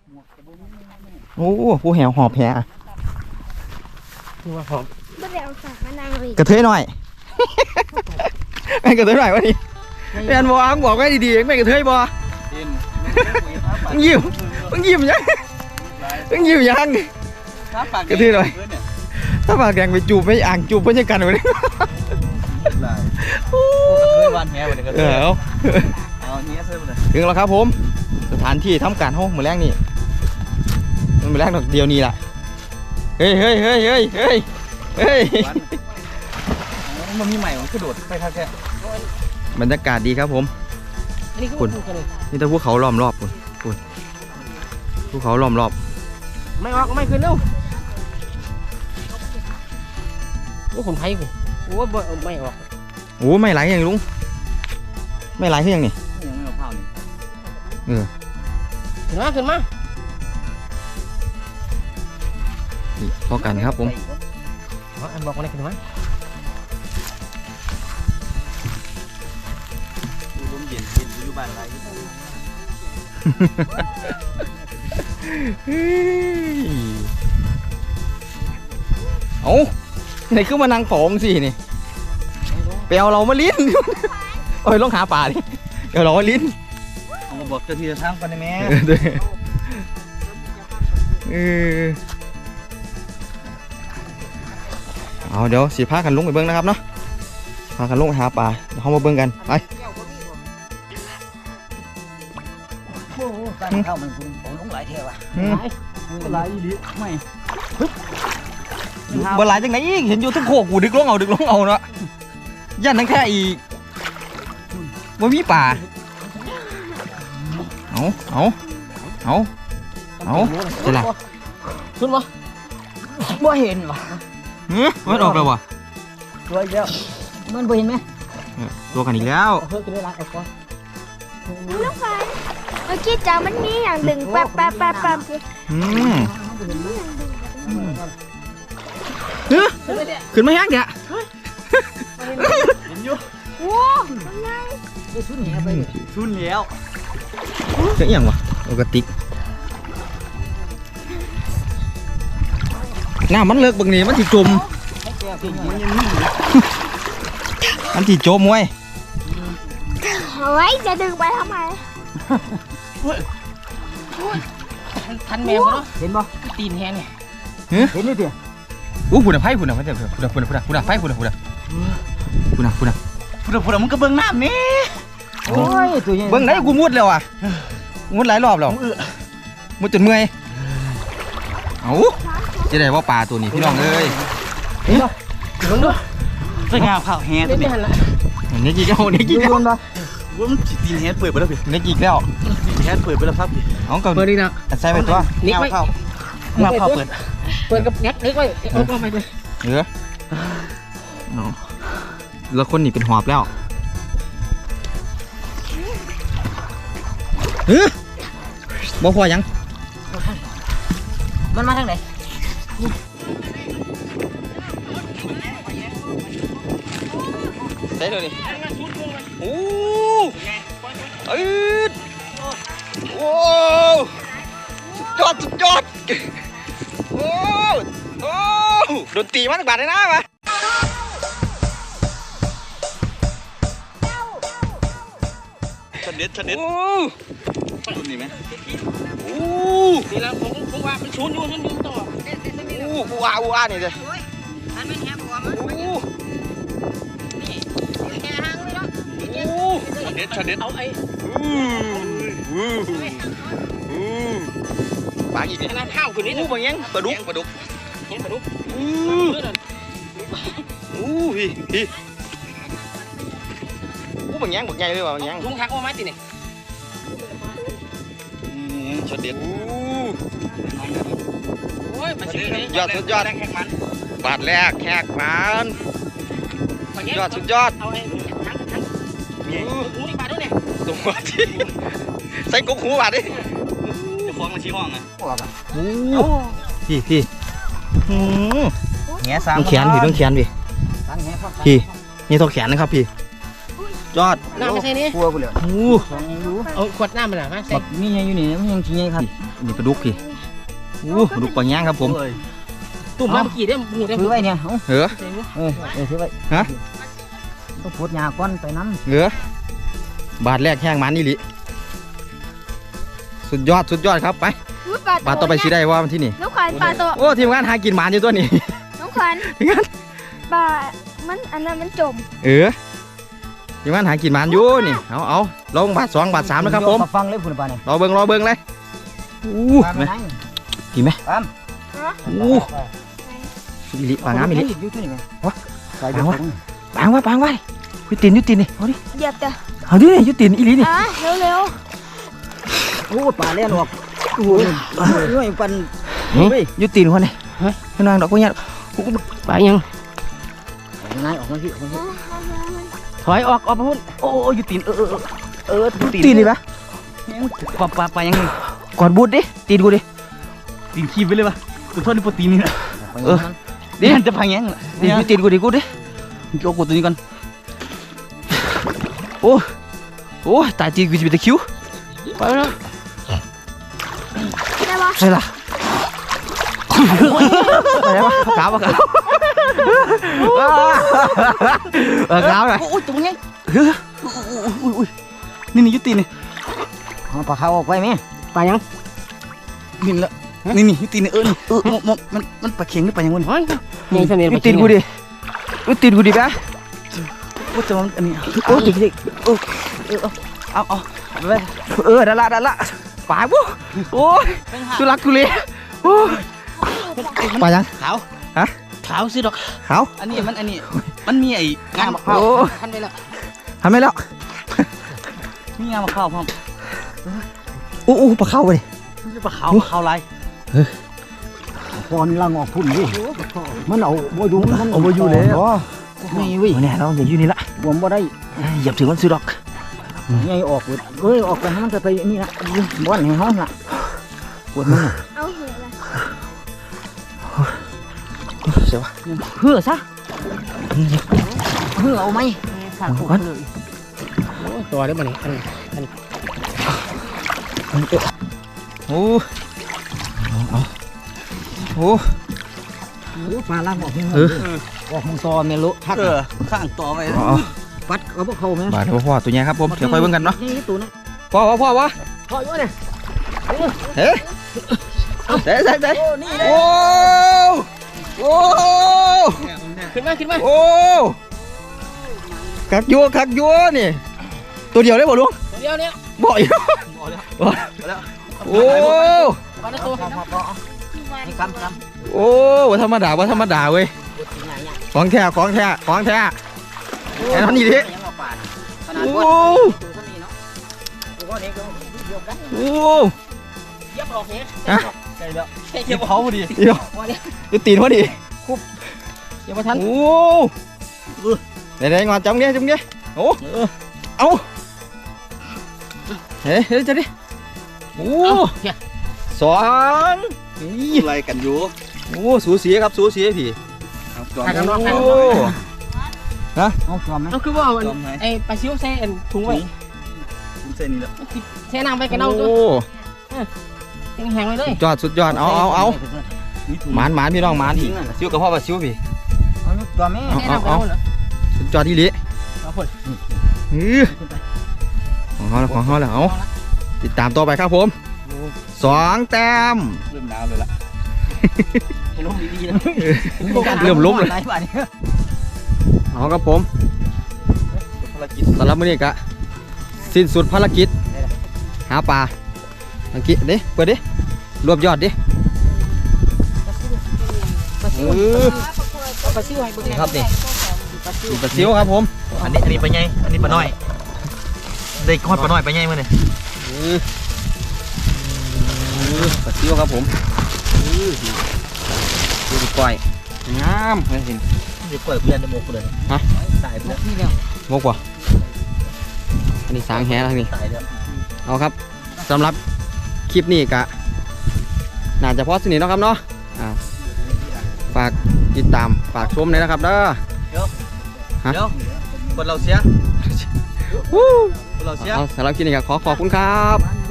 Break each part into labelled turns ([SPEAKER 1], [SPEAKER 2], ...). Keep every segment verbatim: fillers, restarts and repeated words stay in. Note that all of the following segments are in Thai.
[SPEAKER 1] โอ้ผู้แหวหอบแห
[SPEAKER 2] คือว่าหอบ
[SPEAKER 3] ไม่ได้เอาสากมานั่งเลย
[SPEAKER 1] กระเทยหน่อยแม่กระเทยหน่อยวะนี่แม่บอกอ้างบอกไว้ดีๆแม่กระเทยบอมึงยิ้มมึงยิ้มยังมึงยิ้มยังกระเทยหน่อยถ้าปากแดงไปจูบไม่อ่างจูบไม่ใช่กันเลย
[SPEAKER 2] โอ้กระเทยวันแหวันนี้กระเทยเอาเอาเนี้ยเสื้อเลย
[SPEAKER 1] ถึงแล้วครับผมสถานที่ทำการห้องมือแรกนี่มือแรกเดียวนี่แหละเฮ้ยเฮ้ยเฮ้ยเฮ้ยเฮ้ยเฮ้ย
[SPEAKER 2] มันมีใหม่มันกระโดดไปครับแก
[SPEAKER 1] บรรยากาศดีครับผมคุณนี่ถ้าภูเขาล้อมรอบคุณคุณภูเขาล้อมรอบ
[SPEAKER 2] ไม่ออกไม่ขึ้นเร็วโอ้คนไทยกูโอ้ไม่ออก
[SPEAKER 1] โอ้ไม่ไหลยังลุงไม่ไหลขึ้นยังนี่
[SPEAKER 2] ยังไม่เอาเผานี่
[SPEAKER 1] เออ
[SPEAKER 2] ขึ้นมาขึ้นมา
[SPEAKER 1] พอกันครับผม
[SPEAKER 2] อันบอกอะไรขึ้นมาลมเย็นเย็นอยู่บ้านไร
[SPEAKER 1] เอ้าไหนขึ้นมานั่งผองสินี่ไปเอาเรามาลิ้นโอ้ยลงหาป่าดิเดี๋ยวเรามาลิ้น
[SPEAKER 2] เอามาบอกเจ้าที่จะทางกันได้ไหม
[SPEAKER 1] เออเอาเดี๋ยวสีผ้ากันลุงไปเบิ้งนะครับเนาะพากันลุงไปหาป่าเดี๋ยวเขามาเบิ้งกันไป
[SPEAKER 2] โอ้โหการเข้ามันคุณโอ้ลุงหลายเท่ว่ะหลายอีหลีไม่
[SPEAKER 1] บ่หลายจังไหนอีกเห็นอยู่ทุกโคกกูดึกลงเอาดึกลงเอาเนาะยันทั้งแค่อีกบ่มีป่าเอาเอาเอาเอาจะละ
[SPEAKER 2] ขึ้นมาบ่เห็นวะ
[SPEAKER 1] เฮ้ยมันออกแล้ววะ
[SPEAKER 2] ตัวอีกแล้วมันบ่เห็นไหม
[SPEAKER 1] ตัวกันอีกแล้ว
[SPEAKER 2] เพิ่งกินได้ละไอ้ก้อน
[SPEAKER 3] ลูกไฟเมื่อกี้จ้ามันมีอย่างดึงแป๊บแป๊บแป๊บแป๊บสิ
[SPEAKER 1] อืมเฮ้ยขึ้นมายังเนี่ย
[SPEAKER 2] เห็นอยู่
[SPEAKER 3] โอ้ยังไง
[SPEAKER 2] ชุนเหนียวไปชุนเหนียว
[SPEAKER 1] จะอย่างวะเอากระติกหน้ามันเลิกบางนี้มันถีจมมันถีจมเว้ย
[SPEAKER 3] เฮ้ยจะดึงไปทำไม
[SPEAKER 2] ทันแมวเนาะเห็นป่ะตีนแห้งเนี่ยเห็นนี่เดียว
[SPEAKER 1] อู้หุ่นอะไพ่หุ่นอะไพ่เดี๋ยวหุ่นอะหุ่นอะหุ่นอะหุ่นอะไพ่หุ่นอะหุ่นอะหุ่นอะหุ่นอะ
[SPEAKER 2] หุ่นอะหุ่นอะมันก็เบิ้งน้ำนี่โอ้ยตัวใหญ่
[SPEAKER 1] เบิ้งไหนกูมุดแล้วอ่ะมุดหลายรอบแล้วมุดจนเมื่อยเอาจะได้ว่าปลาตัวนี้พี่น้องเอ้ย
[SPEAKER 2] เห็นป่ะเบิ้งด้วยสวยงามข้าวแห้งตัวนี้
[SPEAKER 1] เนี่ยกี่แล้วเนี่ยกี่แล้ว
[SPEAKER 2] ว่ามันตีนแห้งเปิดไปแล้วพี่
[SPEAKER 1] เนี่ยกี่แล้ว
[SPEAKER 2] ตีนแห้งเปิดไปแล้วครับพี่
[SPEAKER 1] เอาเปิ
[SPEAKER 2] ดดีนะ
[SPEAKER 1] ใส่ไปตัว
[SPEAKER 2] นิกไว้เข้าเงาเข้าเปิดเปิดกับแน็กนิกไว้เอาเข้าไปเลย
[SPEAKER 1] เออแล้วคนนี่เป็นหอบแล้วเฮ้ยบ่พอยัง
[SPEAKER 2] มันมาทางไหน
[SPEAKER 1] ใส่เลยดิโอ้เอ้ยโอ้ยอดสุดยอดโอ้โอ้โดนตีมาตั้งบาทเลยนะมา
[SPEAKER 2] ชันเด็ดชันเด็ด
[SPEAKER 1] โอ้
[SPEAKER 2] ชุนนี่ไหม
[SPEAKER 1] โอ้
[SPEAKER 2] นี่แล้วผมผมว่ามันชุนอยู่ชุนอยู่ต่อ
[SPEAKER 1] โอ้ว้าวว้านี่เลย
[SPEAKER 2] อันไม่แค่หัวมันนี่แค่หางเลยเนาะชันเด็ดชันเด็ดเอาไอ้
[SPEAKER 1] ปลาอีกเนี่ย
[SPEAKER 2] ขนาดข้าวคืนนี้
[SPEAKER 1] อู้บางยังปลาดุกปลาดุก
[SPEAKER 2] เห็นปลาดุก
[SPEAKER 1] อู้อู้ฮีฮีอู้บางยังบางใหญ่เลยว่ะบางยัง
[SPEAKER 2] ลุงทักว่าไม้ตีเนี่ย
[SPEAKER 1] ช็อตเด็ดอู้
[SPEAKER 2] โอ้ยมาซื้
[SPEAKER 1] อยอดสุดยอดบาทแรกแขกมันยอดสุดยอด
[SPEAKER 2] เอาไอ้ทั้งทั้งหูนี่บาทด้วยเนี่ย
[SPEAKER 1] ตัวที่ใส่กุ๊กหูบาทดิ
[SPEAKER 2] จะฟ้องมาชี้ห้องไง
[SPEAKER 1] โอ้พี่พี่
[SPEAKER 2] แง่ซ้ำ
[SPEAKER 1] ต้องแขนพี่ต้องแขนพี่พี่นี่ต้องแขนนะครับพี่ยยอด
[SPEAKER 4] น้ำไม่ใช่นี่
[SPEAKER 2] กลัวกูเลย
[SPEAKER 1] โอ้
[SPEAKER 2] สองยังรู้
[SPEAKER 4] เอาขวดน้ำมาหน่อยมาใส่
[SPEAKER 2] บักมีไงอยู่นี่มันยังขี้ไงครับ
[SPEAKER 1] นี่ปลาดุกพี่โอ้ปลาดุกปลาย่างครับผม
[SPEAKER 4] ตุ่มมาเมื่อกี้ได้หมูได้
[SPEAKER 2] ถือไว้เนี่ยเอา
[SPEAKER 1] เหรอ
[SPEAKER 2] เออเออถือไว้
[SPEAKER 1] ฮะ
[SPEAKER 2] ต้องปวดยาก้อนไปน้
[SPEAKER 1] เหรอบาทแรกแห้งมันนี่ลิสุดยอดสุดยอดครับไป
[SPEAKER 3] อุ๊ยปลา
[SPEAKER 1] บาทต่อไปสิได้ว่ามันที่นี่
[SPEAKER 3] น้องขวัญปลาตัว
[SPEAKER 1] โอ้ทีมงานหากินหมันอยู่ตัวนี้
[SPEAKER 3] น้องขวัญ
[SPEAKER 1] ทีมงาน
[SPEAKER 3] ปลามันอันนั้นมันจม
[SPEAKER 1] เออทีมงานหากินหมันอยู่นี่เอาเอาลงบาทสองบาท
[SPEAKER 2] ำ
[SPEAKER 1] สามนะครับผม
[SPEAKER 2] ฟังเลยคุณป้าเนี่ย
[SPEAKER 1] รอเบิ้งรอเบิ้งเลยอู้
[SPEAKER 2] ปลาไป
[SPEAKER 1] ไหม
[SPEAKER 2] ไหน
[SPEAKER 1] กี่ไหม
[SPEAKER 2] ปลา
[SPEAKER 1] อู้อิลิปลางามอิลิ
[SPEAKER 2] อยู่ที่นี่ไง
[SPEAKER 1] วะ
[SPEAKER 2] ใส่เดี๋ยว
[SPEAKER 1] ปลาวะ ปางไว้ปางไว้ยุตินยุตินนี่เอาดิ
[SPEAKER 3] เหยียบจ้ะ
[SPEAKER 1] เอาดิยุตินอิลินี่
[SPEAKER 3] อ่ะเร็วเร็ว
[SPEAKER 2] โอ้ปลาเล่นออกโอ้ยเฮ้ยปัน
[SPEAKER 1] ยุตินคนนี้ให้นางดอกพวกเนี้ย
[SPEAKER 4] ไปยัง
[SPEAKER 2] นายออกมาพี่ออกมาพี่
[SPEAKER 4] ถอยออกออกมาพุ่น
[SPEAKER 2] โอ้ยุตินเออเออเออ
[SPEAKER 1] ยุตินนี่ปะ
[SPEAKER 2] ปลาปลาปลายังไง
[SPEAKER 1] กอดบูดดิตีนกูดิ
[SPEAKER 2] ตีนขี้ไปเลยปะตัวโทษนี่โปรตีนนี่นะ
[SPEAKER 1] เออ
[SPEAKER 2] เดี๋ยวจะพังยัง
[SPEAKER 1] ตีนยุตินกูดิกูดิ
[SPEAKER 2] โยกกูตัวนี้ก่อน
[SPEAKER 1] โอ้โอ้ตายตีนกูจะเป็นตะคิว
[SPEAKER 4] ไปแล้ว
[SPEAKER 3] ได้ปะ
[SPEAKER 1] ใช่ละอะไรวะขาวปะขาวเออขาวเลย
[SPEAKER 2] โอ้ยตัวนี้
[SPEAKER 1] นี่นี่ยุตินนี่
[SPEAKER 2] เอาปลาเขาออกไปไหม
[SPEAKER 4] ไปยัง
[SPEAKER 2] นี่ละนี่นี่ยุตินเออนี่เออมันมันมันปลาเข็งหรือปลายังวะ
[SPEAKER 4] เฮ้ยยังเสน่ห์
[SPEAKER 1] ยุตินกูดิยุตินกูดิปะ
[SPEAKER 2] โอ้แต่มันอันนี้
[SPEAKER 1] โอ้ดิดิโอ้
[SPEAKER 2] เอาเอาไป
[SPEAKER 1] เออดันละดันละป่าบุโอ้ยตุลักตุเลโอ้ยป่ายัง
[SPEAKER 2] ขาว
[SPEAKER 1] ฮะ
[SPEAKER 4] ขาวสิดอก
[SPEAKER 1] ขาว
[SPEAKER 2] อันนี้มันอันนี้มันมีไอ้งานมะพร้าว
[SPEAKER 1] โอ้
[SPEAKER 4] ทันไปแล้ว
[SPEAKER 1] ทำไม่แล้ว
[SPEAKER 2] มีงานมะพร้าวพร้อม
[SPEAKER 1] โอ้โอ้ปลาเข้าไปดิ
[SPEAKER 2] ปลาขาวขาวลายพรลังออกพุ่นดิมันเอาบ่อยู่มัน
[SPEAKER 1] เอาบ่อยู่แล้ว
[SPEAKER 2] ไม่เว้ย
[SPEAKER 1] เนี่ยเราอย่าอยู่นี่ละ
[SPEAKER 2] ผมบ่ได้
[SPEAKER 1] เหยียบถึงมันซื้อดอก
[SPEAKER 2] ไงออกเอ้ยออกไปให้มันจะไปนี่ละบ้านแห่งห้องละปวดมัน
[SPEAKER 3] เอาเหือละ
[SPEAKER 1] เสียวะ
[SPEAKER 2] เหือซะเหือเอาไหม
[SPEAKER 4] ตัวได้มาเนี่ยอันอัน
[SPEAKER 1] โอ้เอาโอ้
[SPEAKER 2] ปลาล่างออก
[SPEAKER 1] เออ
[SPEAKER 2] ออกมึงตอเมลุทักข้างต่อไป
[SPEAKER 1] เอา
[SPEAKER 2] ปัดเอาพวกเขาไหม
[SPEAKER 1] บาดเดี๋ยวพ่อตัวใหญ่ครับผมเดี๋ยวค่อยเบิ่งกันเนาะ
[SPEAKER 2] นี่ตัวนั้น
[SPEAKER 1] พ่อวะพ่อวะ
[SPEAKER 4] ถอยอยู่เนี่ย
[SPEAKER 1] เฮ้เด้เด้เด้โอ้โอ้
[SPEAKER 4] ขึ้นมาขึ้นมา
[SPEAKER 1] โอ้คักยัวคักยัวนี่ตัวเดียวได้บ่ลุง
[SPEAKER 4] เดี๋ยวเนี้ย
[SPEAKER 1] บ่อยโอ้
[SPEAKER 4] มาในตัว
[SPEAKER 2] นี่คำคำ
[SPEAKER 1] โอ้ว่าธรรมดาว่าธรรมดาเว้ยของแท้ของแท้ของแท้แค่นั้นนี่ดิ
[SPEAKER 2] ยังมาปาดขนาด
[SPEAKER 1] โอ้
[SPEAKER 2] ว่าตัวนี้เนาะตัวนี้ก็เดียวกัน
[SPEAKER 1] โอ้
[SPEAKER 4] เย็บออกเนี่ย
[SPEAKER 2] ใช่แล้ว
[SPEAKER 4] ใช่
[SPEAKER 2] เก็
[SPEAKER 4] เย็
[SPEAKER 2] บบ
[SPEAKER 4] ออก
[SPEAKER 2] เขาพอดี
[SPEAKER 1] เดี๋ยวจะตีนพอดี
[SPEAKER 4] เย็บมาทัน
[SPEAKER 1] โอ้เดี๋ยวๆงอนจังเงี้ยจังเงี้ยโอ้เอาเฮ้ยเฮ้ยจะดิโอ้สองนี่
[SPEAKER 2] อะไรกันอยู่
[SPEAKER 1] โอ้สูสีครับสูสีพี่
[SPEAKER 4] ถ่ายกันนอกถ่าย
[SPEAKER 1] โอ้
[SPEAKER 4] กันนอก
[SPEAKER 2] เอาจอมไหม
[SPEAKER 4] เอาคือว่าไอ้ปลาซิวใส่ถุงไว้
[SPEAKER 2] คุณเส้นนี่แหละ
[SPEAKER 4] ใส่น้ำไปกันเอา
[SPEAKER 1] โอ้
[SPEAKER 4] ตัวแห้งๆเลยเลย
[SPEAKER 1] สุดยอดสุดยอดเอาเอาเอาหมานหมานพี่น้องหมานพี่ซิวกับพ่อปลาซิวพี่
[SPEAKER 2] เอาลูกตัวแม่
[SPEAKER 1] เอา
[SPEAKER 4] ใส่น้ำไปเอาเหรอ
[SPEAKER 1] สุดยอดที่ลิ
[SPEAKER 4] เอาพุ่น
[SPEAKER 1] อือของเขาแล้วของเขาแล้วเอาติดตามต่อไปครับผมสองแต้ม
[SPEAKER 2] เริ่มหนาวเลยล่ะให้ล้มดีๆนะ
[SPEAKER 1] เริ่มล้มเลย
[SPEAKER 2] หลายบาทเนี่ย
[SPEAKER 1] เอาครับผม
[SPEAKER 2] ภารกิจ
[SPEAKER 1] สำหรับมื้อนี้ก็สิ้นสุดภารกิจหาปลาอังกฤษดิเปิดดิรวบยอดดิ
[SPEAKER 4] ปลาซิ
[SPEAKER 1] เอ
[SPEAKER 4] ว
[SPEAKER 1] อ
[SPEAKER 4] ปลาซิวให้เบิ่ง
[SPEAKER 1] ครับนี่มีปลาซิวครับผม
[SPEAKER 2] อันนี้อันนี้ปลาใหญ่อันนี้ปลาน้อยได้ก้อนปลาน้อยปลาใหญ่มาเนี่ย
[SPEAKER 1] เออเออปลาซิวครับผมเออดูดิก้อยงามเห็น
[SPEAKER 2] เดี๋ยวกล้วยเพื่อนในหมกเลย
[SPEAKER 1] ฮะ
[SPEAKER 2] ตายไปแล้วนี่แล้ว
[SPEAKER 1] งกว่ะอันนี้สางแหแล้วนี่
[SPEAKER 2] ตายแล้ว
[SPEAKER 1] เอาครับสำหรับคลิปนี้กะน่าจะพอสนิทเนาะครับเนาะอ่าฝากติดตามฝากชมเลยนะครับเด้อ
[SPEAKER 2] เดี๋ยวคนเราเสีย
[SPEAKER 1] วู้
[SPEAKER 2] เราเสีย
[SPEAKER 1] เอาสำหรับคลิปนี้ก็ขอขอบคุณครับ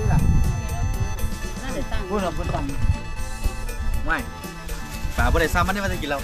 [SPEAKER 2] พูดเราพูดต่ำไม่ป่าบ่ได้ซ้ำมันได้มาจะกินเรา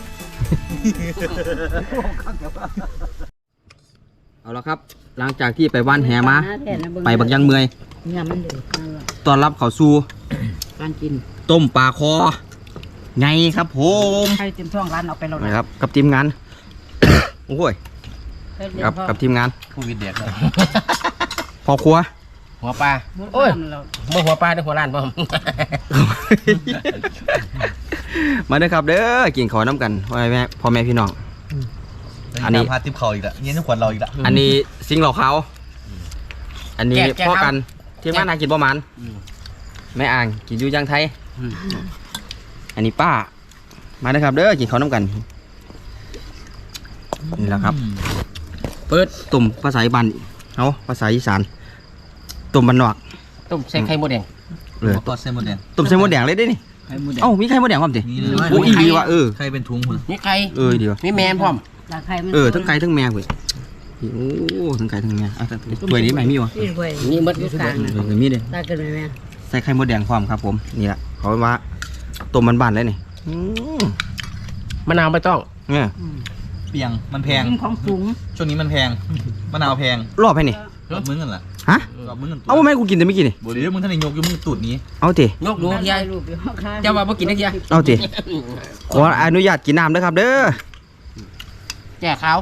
[SPEAKER 1] เอาละครับ หลังจากที่ไปว่านแหมาไปบักยังเมื่อย
[SPEAKER 4] เนี่ยมันเดือด
[SPEAKER 1] ต้อนรับเขาสู่
[SPEAKER 4] การกิน
[SPEAKER 1] ต้มปลาคอไงครับผม
[SPEAKER 4] ใครเต็มท้องร้านเอาไปเรา
[SPEAKER 1] นะครับกับทีมงาน โอ้ยกับกับทีมงาน
[SPEAKER 2] ผู้วิดเด็กเลย
[SPEAKER 1] พ่อครัว
[SPEAKER 5] หัวปลาโอ้ยเมื่อหัวปลาได้หัวล้านบ่
[SPEAKER 1] มาเด้อครับเด้อกินขอน้ำกันพ่อแม่พ่อแม่พี่น้อง อันนี้
[SPEAKER 2] พาทิพเขาอีกแล้วเงี้ยทุกคนเราอีกแล้ว
[SPEAKER 1] อันนี้ซิงเหล่าเขาอันนี้พ่อกันทีมงานอากินประมาณแม่อ่างกินอยู่ยังไทยอันนี้ป้ามาเด้อครับเด้อกินขอน้ำกันนี่แหละครับเปิดตุ่มภาษาอีสานเอาภาษาอีสานตุ่มบันนอก
[SPEAKER 5] ต้มใส่ไข่มดแดง
[SPEAKER 1] เลย
[SPEAKER 2] ก็เส้นหมดแดง
[SPEAKER 1] ตุ่มเส้นมดแดงเลยได้นี่เอ้ามีไข่มดแดงพร้อมดิ
[SPEAKER 2] นี่เลย
[SPEAKER 1] โอ้อีดีว่ะเออ
[SPEAKER 2] ใครเป็นทุงคน
[SPEAKER 5] นี่ไข่
[SPEAKER 1] เออเดี๋ยว
[SPEAKER 5] มีแมนพร้อม
[SPEAKER 1] เออทั้งไก่ทั้งแมวเว้ยโอ้ทั้งไก่ทั้งแมวอ่ะถ้วยนี้ไม่มีวะ
[SPEAKER 4] นี่เว้ย
[SPEAKER 5] นี่มดอยู่กลาง
[SPEAKER 1] เออมีเด้
[SPEAKER 4] ได้กันไหมแม่
[SPEAKER 1] ใส่ไข่มดแดงพร้อมครับผมนี่แหละเขาว่าต้มมันบานเลยนี่อืม
[SPEAKER 5] มะนาวไม่ต้อง
[SPEAKER 1] เนี่ย
[SPEAKER 2] เปียงมันแพง
[SPEAKER 4] กินของสูง
[SPEAKER 2] ช่วงนี้มันแพงมะนาวแพง
[SPEAKER 1] รอบให้นี่
[SPEAKER 2] รอบมึงกันล่ะ
[SPEAKER 1] ฮะ
[SPEAKER 2] รอบมึงกัน
[SPEAKER 1] เอาแม่กูกินแต่ไม่กินนี่
[SPEAKER 2] บ่ดีมึงท่านนายกอยู่มึงตูดนี้
[SPEAKER 1] เอาติ
[SPEAKER 5] ยกดูยาย
[SPEAKER 4] รูปอยู่ข้าง
[SPEAKER 5] เจ้าว่าบ่กินได้ยัง
[SPEAKER 1] เอาติขออนุญาตกินน้ำด้วยครับเด้อ
[SPEAKER 5] แก่ขาว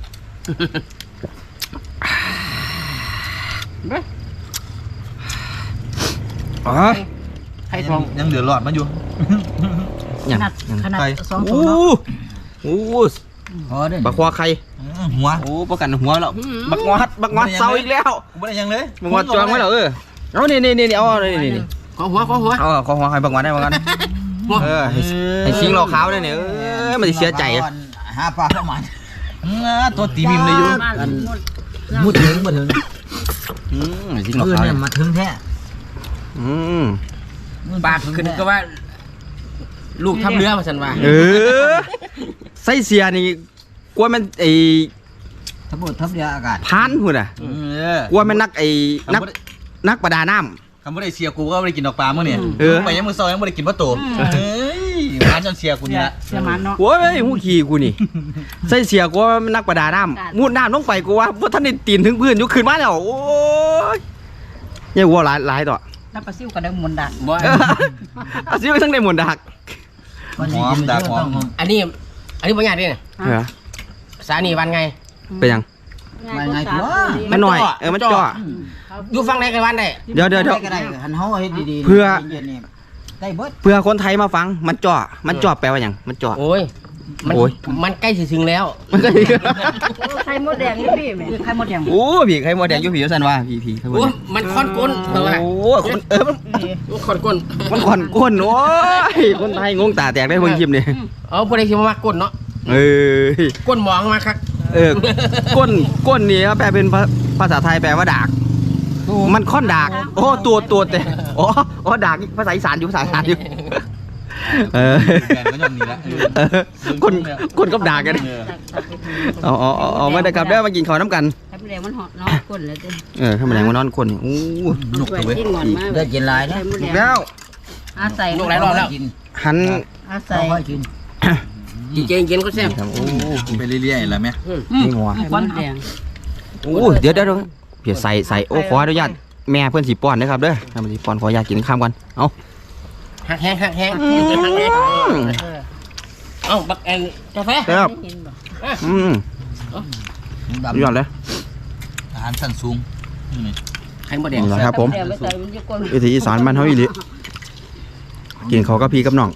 [SPEAKER 1] อ๋อ
[SPEAKER 5] ไข่ทอง
[SPEAKER 2] ยังเหลือหลอดมันอยู่
[SPEAKER 1] อย่าง
[SPEAKER 4] ขนาดขนาด
[SPEAKER 2] ใคร
[SPEAKER 4] สอง
[SPEAKER 1] โอ้
[SPEAKER 4] ตัวเนาะ
[SPEAKER 1] โห
[SPEAKER 2] พอเด้
[SPEAKER 1] บักควาไข่
[SPEAKER 2] หัว
[SPEAKER 1] โอ้ประกันหัวแล้วบักงอดบักงอดเศร้าอีกแล้ว
[SPEAKER 2] กูไม่ได้ยังเลย
[SPEAKER 1] บักงอดจองไว้แล้วเออเอานี่นี่นี่เอานี่นี่นี่
[SPEAKER 5] ขอหัวขอหัว
[SPEAKER 1] เอาขอหัวใครบักงอดได้บักงอดเออให้ให้ชิงเราขาวได้เนี่ยเออมันจะเสียใจอะ
[SPEAKER 2] หาปลาเข้ามาตัวตีมิมเลยอยู่
[SPEAKER 4] มุด
[SPEAKER 2] ถึงมาถึง
[SPEAKER 1] อืมให้ชิงเรา
[SPEAKER 2] เพื่อน
[SPEAKER 1] ขาว
[SPEAKER 2] เนี่ยมาถึงแท้
[SPEAKER 1] อืม
[SPEAKER 5] ปากขึ้นก็ว่า ลูกทับเรือมาสันว่า
[SPEAKER 1] เออไส้เสียนี่กลัวมันไอ้
[SPEAKER 2] ทั้งหมดทั้งเดียอากาศ
[SPEAKER 1] พานหุ่นอ่ะ
[SPEAKER 2] เออก
[SPEAKER 1] ลัวมันนักไอ้นักนักประดาน้
[SPEAKER 2] คำว่าได้เสียกูก็ไม่ได้กินดอกปลาเมื่อเนี่ย
[SPEAKER 1] เออ
[SPEAKER 2] ไปยังมือซอยยังไม่ได้กินปลาโตเฮ้ยร้านจนเสียกู
[SPEAKER 4] เสี
[SPEAKER 2] นี่
[SPEAKER 4] ย
[SPEAKER 2] ละ
[SPEAKER 4] เสียมันเนาะ
[SPEAKER 1] ำโอ้ยหูขี่กูนี่ไส้เสียกลัวมันนักประดาน้ำมุดน้ำลงไปกูว่าเพราะท่านได้ตีนถึงพื้นอยู่ขึ้นมาแล้วโอ้ยยังวัวหลายหลายต่อ
[SPEAKER 4] แล้วปลาซิวก็ได้มนต์ดัน
[SPEAKER 5] บ่
[SPEAKER 1] เออเอาซิไปทั้งในหมวนดัก
[SPEAKER 2] หอมดาหอม
[SPEAKER 5] อันนี้ อันนี้บ่ยากเด้เนี่ย
[SPEAKER 1] เออ
[SPEAKER 5] สานีวันไง
[SPEAKER 1] เป็นยัง
[SPEAKER 4] ไงตัว
[SPEAKER 1] มันหน่อยเออมันจ่อ
[SPEAKER 5] อยู่ฟังไหนกันวันได้
[SPEAKER 1] เดี๋ยวเดี๋ยวเดี๋ยว
[SPEAKER 2] ก็ได้หันเฮาเฮ็ดดีๆ
[SPEAKER 1] เพื่อ
[SPEAKER 2] ได้เบิด
[SPEAKER 1] เพื่อคนไทยมาฟังมันจ่อมันจ่อแปลว่าอย่างมันจ่อ
[SPEAKER 5] โอ้ยมัน
[SPEAKER 1] โอ้ย
[SPEAKER 5] มันใกล้สิถึงแล้ว
[SPEAKER 1] มันก็
[SPEAKER 4] ไข่มดแดงนี่พี่แม่ไข่มดแดง
[SPEAKER 1] โอ้ผีใครมอแดงอยู่ผีสันว่าผีผีใครมอ
[SPEAKER 5] โอ้
[SPEAKER 1] แด
[SPEAKER 5] ย
[SPEAKER 1] ง
[SPEAKER 5] มันค้อนก้นเออว่า
[SPEAKER 1] โอ้คนเออมัน
[SPEAKER 5] มันค้อนก้น
[SPEAKER 1] มันขอนก้นโอ้ยคนไทยงงตาแตกได้เพิ่งคลิปนี่
[SPEAKER 5] เอาผู้ใดสิมามักก้นเนาะ
[SPEAKER 1] เออ
[SPEAKER 5] ก้นหมองมาครับ
[SPEAKER 1] เออก้นก้นนี่แปลเป็นภาภาษาไทยแปลว่าดากมันค่อนดากโอ้ตัวตัวแต่อ๋ออ๋อดากภาษาอีสานอยู่ภาษาอีสานอยู่เออ
[SPEAKER 2] แบนก็ยอมนี่ละ
[SPEAKER 1] เออคนคนกับดากกันเอาเอาเอาเอามาได้ครับได้มากินข้าวน้ำกัน
[SPEAKER 4] ไข่มดแดงมันหอดเนาะก้นเลยจ้ะ
[SPEAKER 1] เออข้าวมันแดงมานอนคนนี่โอ้
[SPEAKER 2] หนุกเลย
[SPEAKER 4] กินหอนมาก
[SPEAKER 2] ได้กินหลายนะ
[SPEAKER 4] ไข่มดแดง
[SPEAKER 1] แล้ว
[SPEAKER 4] อาศัย
[SPEAKER 5] ลูกหลายรอบแล้ว
[SPEAKER 1] หัน
[SPEAKER 4] อาศัย
[SPEAKER 2] กิน
[SPEAKER 5] จริงๆกินก็แซ่บ
[SPEAKER 1] ครับโอ้
[SPEAKER 2] ไปเรื่อยๆแล้วแม่
[SPEAKER 1] นี่หัว
[SPEAKER 4] ไข่มดแดง
[SPEAKER 1] โอ้เดี๋ยวเดี๋ยวเดี๋ยวเพียใส่ใส่โอ้ขออนุญาตแม่เพื่อนสีป้อนนะครับเด้อทำสีป้อนขออนุญาตกินข้ามกันเอา
[SPEAKER 5] หักแห้งหักแห้งหักแห้งเอ้าบักแอนกาแฟ
[SPEAKER 1] ครับ
[SPEAKER 4] เห็นบ่
[SPEAKER 1] อืมสุดยอดเลย
[SPEAKER 2] อาหารชั้นสูง
[SPEAKER 5] ไข่มดแดง
[SPEAKER 1] นี่แหละครับผม
[SPEAKER 4] ไข่ดแดงไใส่มันอยู่ก้น
[SPEAKER 1] วิถีอีสานบ้านเฮาอีหลีกินเขาวกับพี่กับน้อง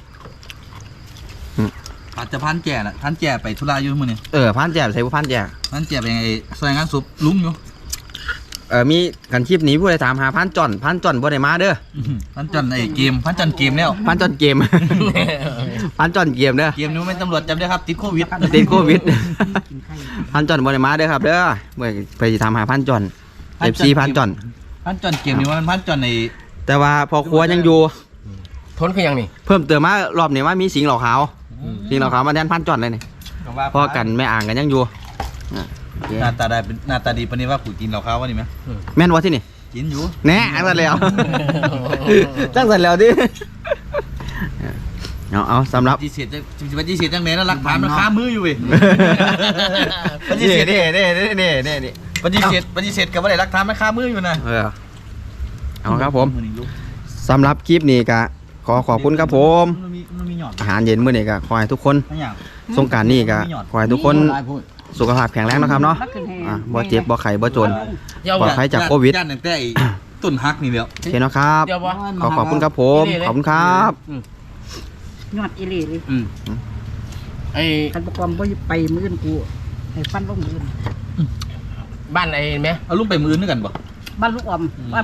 [SPEAKER 2] อาจจะพันแก่ละพันแก่ไปธุระอยู่มื้อนี้
[SPEAKER 1] เออพันแจ่ใส่ผู้พันแจ่
[SPEAKER 2] พันแก่ไปยังไงซอยงานศพลุงอยู่
[SPEAKER 1] เออมีกันคลิปนี้ผู้ใดถามหาพันจ่อนพันจ่อนบ่ได้มาเด้อ
[SPEAKER 2] พันจันไอ้เกมพันจันเกมแล้ว
[SPEAKER 1] พันจ่อนเกม พันจ่อนเกมเด้อ
[SPEAKER 2] เกมนี้ไม่ตำรวจจับได้ครับติดโควิด
[SPEAKER 1] ติดโควิด พันจ่อนบ่ได้มาเด้อครับเด้อเมื่อไปสิถามหาพันจ่อน เอฟ ซี พันจ่อน
[SPEAKER 2] พันจันเกมนี้ว่ามันพันจันใน
[SPEAKER 1] แต่ว่าพอครัวยังอยู่
[SPEAKER 5] ทนคือยังนี่
[SPEAKER 1] เพิ่มเติมมารอบนี้ว่ามีสิงห์เหล่าขาวสิงห์เหล่าขาวมาแทนพันจ่อนเลยนี่พ่อกันแม่อ่างกันยังอยู่
[SPEAKER 6] หน้าตาได้เป็นหน้าตาดีปานนี้ว่ากูกินเหล้าขาววะนี่ไหม
[SPEAKER 1] แม่นวะที่นี่
[SPEAKER 6] กินอยู่
[SPEAKER 1] แน่จังสันแล้วจังสันแล้วดิเอาเอาสำหรับ
[SPEAKER 6] ปฏิเสธจะปฏิเสธจังไหนนะหลักฐานมันคามืออยู่เว้ยปฏิ
[SPEAKER 1] นี่
[SPEAKER 6] เสธ
[SPEAKER 1] นี่นี่นี่นี่นี่นี่
[SPEAKER 6] ปฏิเสธปฏิเสธกับว่าได้หลักฐานมันคามืออยู่นะ
[SPEAKER 1] เออเอาครับผมสำหรับคลิปนี้ก็ขอขอบคุณครับผม
[SPEAKER 6] มันมีมันมีหยอด
[SPEAKER 1] อาหารเย็นมื้อนี้ก็ขอให้ทุกคน
[SPEAKER 6] ทั้งอย่าง
[SPEAKER 1] สงกรานต์นี้ก็ขอให้ทุกคนสุขภาพแข็งแรงนะครับเนาะอ่ะบ่เจ็บบ่ไข้บ่จนปลอดภัยจากโควิด
[SPEAKER 6] ย่านตั้งแต่ไอ้ต้นฮักนี่แล้ว
[SPEAKER 1] โอเคเนาะครับ
[SPEAKER 5] เดี๋ยววะ
[SPEAKER 1] ขอขอบคุณครับผม ขอบคุณครับ
[SPEAKER 4] ยอดอีหลีเลย
[SPEAKER 5] อืมไอ้
[SPEAKER 4] คันประกอบบ่ไปมื้ออื่นกูให้ฟันลงมื้ออื่น
[SPEAKER 5] บ้านไอ้ไหม
[SPEAKER 6] เอาลูกไปมือนึกกันบ่
[SPEAKER 4] บ้านลูกออม